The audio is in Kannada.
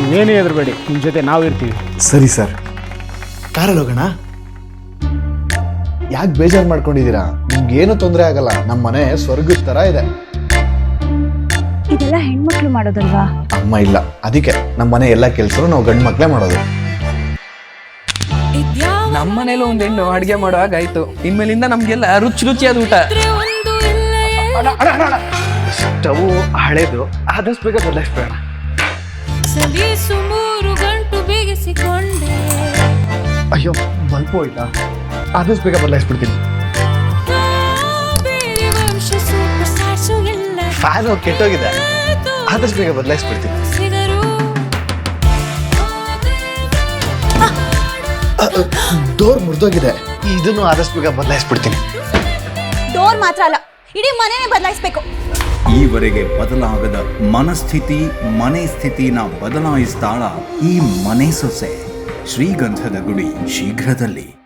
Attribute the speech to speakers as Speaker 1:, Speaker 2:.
Speaker 1: ನೀವೇನೇ ಹೆದರಬೇಡಿ, ನಿಮ್ಮ ಜೊತೆ ನಾವು ಇರ್ತೀವಿ.
Speaker 2: ಸರಿ ಸರ್, ಕಾರಲ್ಲಿ ಹೋಗೋಣ. ಯಾಕೆ ಬೇಜಾರು ಮಾಡ್ಕೊಂಡಿದ್ದೀರಾ? ನಿಮ್ಗೇನು ತೊಂದರೆ ಆಗಲ್ಲ. ನಮ್ಮ ಮನೆ ಸ್ವರ್ಗದ ಥರ ಇದೆ.
Speaker 3: ಇದೆಲ್ಲ ಹೆಣ್ಮಕ್ಳು ಮಾಡೋದಲ್ವಾ?
Speaker 2: ಅಮ್ಮ ಇಲ್ಲ, ಅದಕ್ಕೆ ನಮ್ಮ ಮನೆ ಎಲ್ಲ ಕೆಲಸನೂ ನಾವು ಗಂಡು ಮಕ್ಕಳೇ ಮಾಡೋದು.
Speaker 4: ನಮ್ಮ ಮನೇಲಿ ಒಂದು ಹೆಣ್ಣು ಅಡುಗೆ ಮಾಡೋ ಹಾಗಾಯ್ತು. ಇನ್ಮೇಲಿಂದ ನಮ್ಗೆಲ್ಲ ರುಚಿ ರುಚಿಯಾದ ಊಟ.
Speaker 2: ಸ್ಟವ್ ಹಳೇದು, ಆದಷ್ಟು ಬೇಗ ಬದಲಾಯಿಸ್ಬೇಡ. ಅಯ್ಯೋ, ಬಲ್ಪು ಹೋಯ್ತಾ? ಆದಷ್ಟು ಬೇಗ ಬದಲಾಯಿಸ್ಬಿಡ್ತೀನಿ. ಫ್ಯಾನು ಕೆಟ್ಟೋಗಿದೆ, ಆದಷ್ಟು ಬೇಗ ಬದಲಾಯಿಸ್ಬಿಡ್ತೀನಿ. ಡೋರ್ ಮುರಿದೋಗಿದೆ, ಇದನ್ನು ಆದಷ್ಟು ಬೇಗ ಬದಲಾಯಿಸ್ಬಿಡ್ತೀನಿ.
Speaker 3: ಡೋರ್ ಮಾತ್ರ ಅಲ್ಲ, ಇಡೀ ಮನೆನೇ ಬದಲಾಯಿಸ್ಬೇಕು.
Speaker 5: ಈವರೆಗೆ ಬದಲಾಗದ ಮನಸ್ಥಿತಿ, ಮನೆ ಸ್ಥಿತಿನ ಬದಲಾಯಿಸ್ತಾಳ ಈ ಮನೆ ಸೊಸೆ. ಶ್ರೀಗಂಧದ ಗುಡಿ ಶೀಘ್ರದಲ್ಲಿ.